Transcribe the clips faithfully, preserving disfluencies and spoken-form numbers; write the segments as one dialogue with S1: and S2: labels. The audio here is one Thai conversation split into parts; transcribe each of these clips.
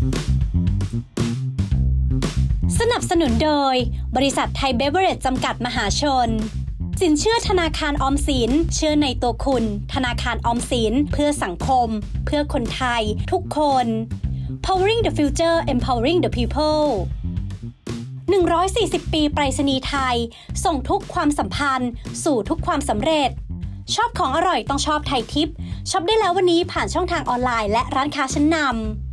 S1: สนับสนุนโดยบริษัทไทยเบเวอเรจจำกัดมหาชนสินเชื่อธนาคารออมสินเชื่อในตัวคุณธนาคารออมสินเพื่อสังคมเพื่อคนไทยทุกคน Powering the Future Empowering the People หนึ่งร้อยสี่สิบ ปีไปรษณีย์ไทยส่งทุกความสัมพันธ์สู่ทุกความสำเร็จชอบของอร่อยต้องชอบไทยทิปช็อปได้แล้ววันนี้ผ่านช่องทางออนไลน์และร้านค้าชั้นนำ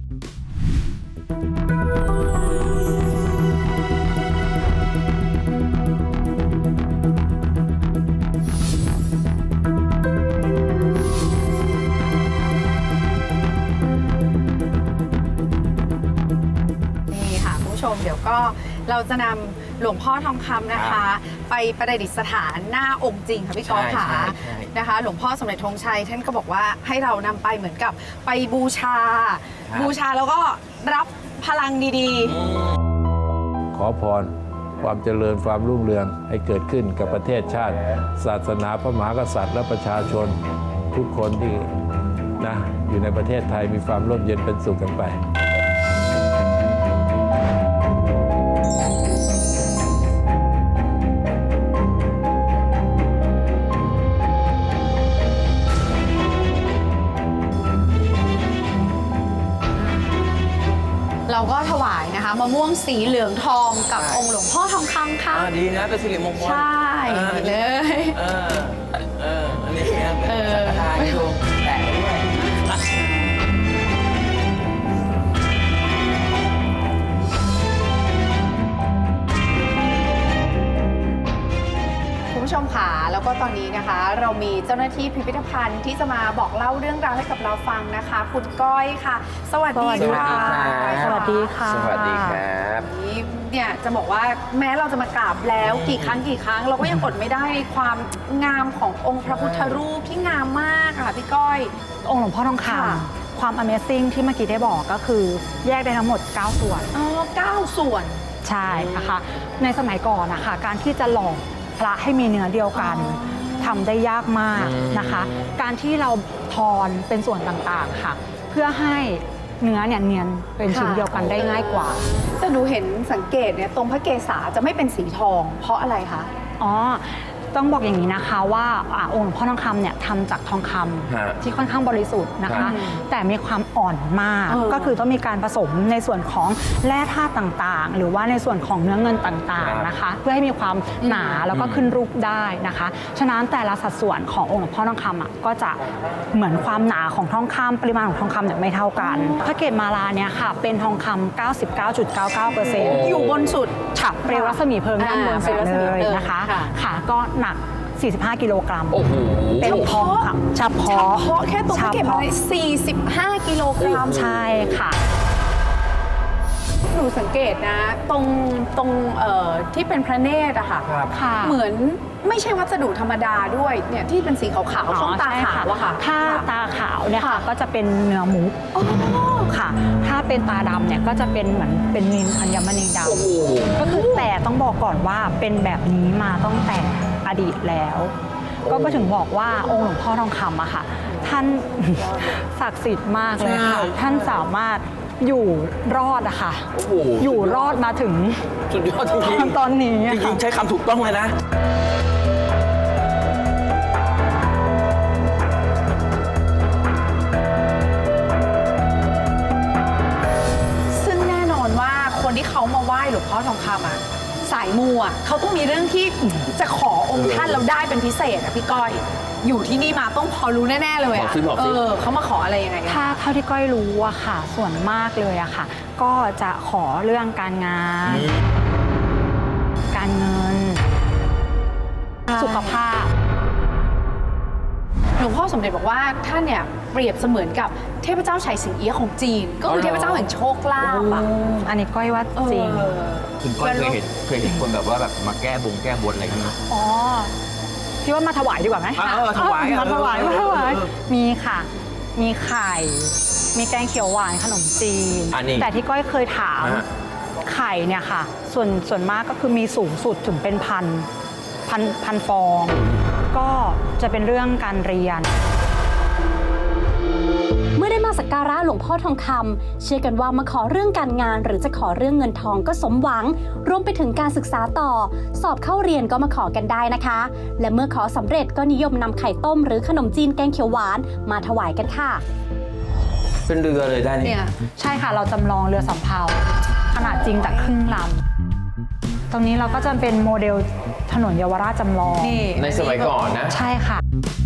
S2: เดี๋ยวก็เราจะนำหลวงพ่อทองคำนะคะ ไปประดิษฐานหน้าองค์จริงค่ะพี่ก๊อฟค่ะนะคะหลวงพ่อสมเด็จธงชัยท่านก็บอกว่าให้เรานำไปเหมือนกับไปบูชาบูชาแล้วก็รับพลังดี
S3: ๆขอพรความเจริญความรุ่งเรืองให้เกิดขึ้นกับประเทศชาติศาสนาพระมหากษัตริย์และประชาชนทุกคนที่นะอยู่ในประเทศไทยมีความร่มเย็นเป็นสุขกันไป
S2: เราก็ถวายนะคะมะม่วงสีเหลืองทองกับองค์หลวงพ่อทองคำค่ะ
S4: ดีนะเป็นสิริมงคล
S2: ใช่เลย
S4: เออเอออันนี้เป็นสังฆทานให้ดูแตะด้วย
S2: คุณผู้ชมค่ะแล้วก็ตอนนี้นะคะเรามีเจ้าหน้าที่พิพิธภัณฑ์ที่จะมาบอกเล่าเรื่องราวให้กับเราฟังนะคะคุณก้อยค่ะสวัสดีค่ะ
S5: สวัสดีค่ะ
S4: สวัสดีครับ
S2: นี่เนี่ยจะบอกว่าแม้เราจะมากราบแล้วกี่ครั้งกี่ครั้งเราก็ยังอดไม่ได้ในความงามขององค์พระพุทธรูปที่งามมากค่ะพี่ก้อย
S5: องค์หลวงพ่อทองคำความ Amazing ที่เมื่อกี้ได้บอกก็คือแยกได้ทั้งหมดเก้าส่วน
S2: อ๋อเก้าส่วน
S5: ใช่นะคะในสมัยก่อนนะคะการที่จะหล่อพระให้มีเนื้อเดียวกันทำได้ยากมากนะคะการที่เราทอนเป็นส่วนต่างๆค่ะเพื่อให้เนื้อเนี่ยเนียนเป็นชิ้นเดียวกันได้ง่ายกว่า
S2: แต่หนูเห็นสังเกตเนี่ยตรงพระเกศาจะไม่เป็นสีทองเพราะอะไรคะ
S5: อ๋อต้องบอกอย่างนี้นะคะว่าองค์หลวงพ่อทองคำเนี่ยทำจากทองคำที่ค่อนข้างบริสุทธิ์นะคะแต่มีความอ่อนมากก็คือต้องมีการผสมในส่วนของแร่ธาตุต่างๆหรือว่าในส่วนของเนื้อเงินต่างๆนะคะเพื่อให้มีความหนาแล้วก็ขึ้นรูปได้นะคะฉะนั้นแต่ละสัดส่วนขององค์หลวงพ่อทองคำอ่ะก็จะเหมือนความหนาของทองคำปริมาณของทองคำเนี่ยไม่เท่ากันพระเกศมาลาเนี่ยค่ะเป็นทองคำ เก้าสิบเก้าจุดเก้าเก้าเปอร์เซ็นต์
S2: อยู่บนสุด
S5: ฉับเปลวรัศมีเพลิงด้านบนสุดเลยนะคะค่ะก็หนักสี่สิบห้ากิโลกรัม
S4: โอ้โห
S5: เป็นทองคำเฉพาะ
S2: เฉพาะแค่ตรงเก็บมาสี่สิบห้ากิโลกรัม
S5: ใช่ค่ะ
S2: หนูสังเกตนะตรงตรงเอ่อที่เป็นพระเนตรอะค่ะเหมือนไม่ใช่วัสดุธรรมดาด้วยเนี่ยที่เป็นสีขาวๆช่องตาขาวอะค่ะ
S5: ถ้าตาขาวเนี่ยค่ะก็จะเป็นเนื้อมุกค่ะถ้าเป็นตาดำเนี่ยก็จะเป็นเหมือนเป็นนิลอัญมณีดำก็คือแต่ต้องบอกก่อนว่าเป็นแบบนี้มาตั้งแต่อดีตแล้วก็ก็ถึงบอกว่าองค์หลวงพ่อทองคำอะค่ะท่านศักดิ์สิทธิ์มากเลยค่ะท่านสามารถอยู่รอดอะค่ะอยู่รอดมาถึง
S4: สุดยอดจริง
S5: ๆตอนนี้
S4: จริงๆใช้คำถูกต้องเลยนะ
S2: ซึ่งแน่นอนว่าคนที่เขามาไหว้หลวงพ่อทองคำอะสายมูอ่ะเขาต้องมีเรื่องที่จะขอองค์ท่านเราได้เป็นพิเศษอ่ะพี่ก้อยอยู่ที่นี่มาต้องพอรู้แน่ๆเลยอ่ะเออเขามาขออะไรยังไง
S5: ถ้าเท่าที่ก้อยรู้อะค่ะส่วนมากเลยอะค่ะก็จะขอเรื่องการงานการเงินสุขภาพ
S2: หลวงพ่อสมเด็จบอกว่าท่านเนี่ยเปรียบเสมือนกับเทพเจ้าไฉสิงเอี้ยะของจีนก็คือเทพเจ้าแห่งโชคลาภอ่ะ
S5: อันนี้ก้อยว่าจริง
S4: คุณก้อยเคยเห็นเคยเห็นคนแบบว่าแบบมาแก้บงแก้บนอะไรกันไหม
S5: อ๋อพี่ว่ามาถวายดีกว่าไหม
S4: ถวาย
S5: มาถวายมาถวายมีค่ะมีไข่มีแกงเขียวหวานขนมจีนแต่ที่ก้อยเคยถามไข่เนี่ยค่ะส่วนส่วนมากก็คือมีสูงสุดถึงเป็นพันพันพันฟองก็จะเป็นเรื่องการเรียน
S1: เมื่อได้มาสักการะหลวงพ่อทองคำเชื่อกันว่ามาขอเรื่องการงานหรือจะขอเรื่องเงินทองก็สมหวังรวมไปถึงการศึกษาต่อสอบเข้าเรียนก็มาขอกันได้นะคะและเมื่อขอสำเร็จก็นิยมนำไข่ต้มหรือขนมจีนแกงเขียวหวานมาถวายกันค่ะ
S4: เป็นเรือเลยได้
S2: เนี่
S4: เนี่ย ย
S5: ใช่ค่ะเราจำลองเรือสำเภาขนาดจริงจากครึ่งลำตรงนี้เราก็จะเป็นโมเดลถนนเยาวราชจำลอง
S2: นี่
S4: ในสมัยก่อนนะ
S5: ใช่ค่ะ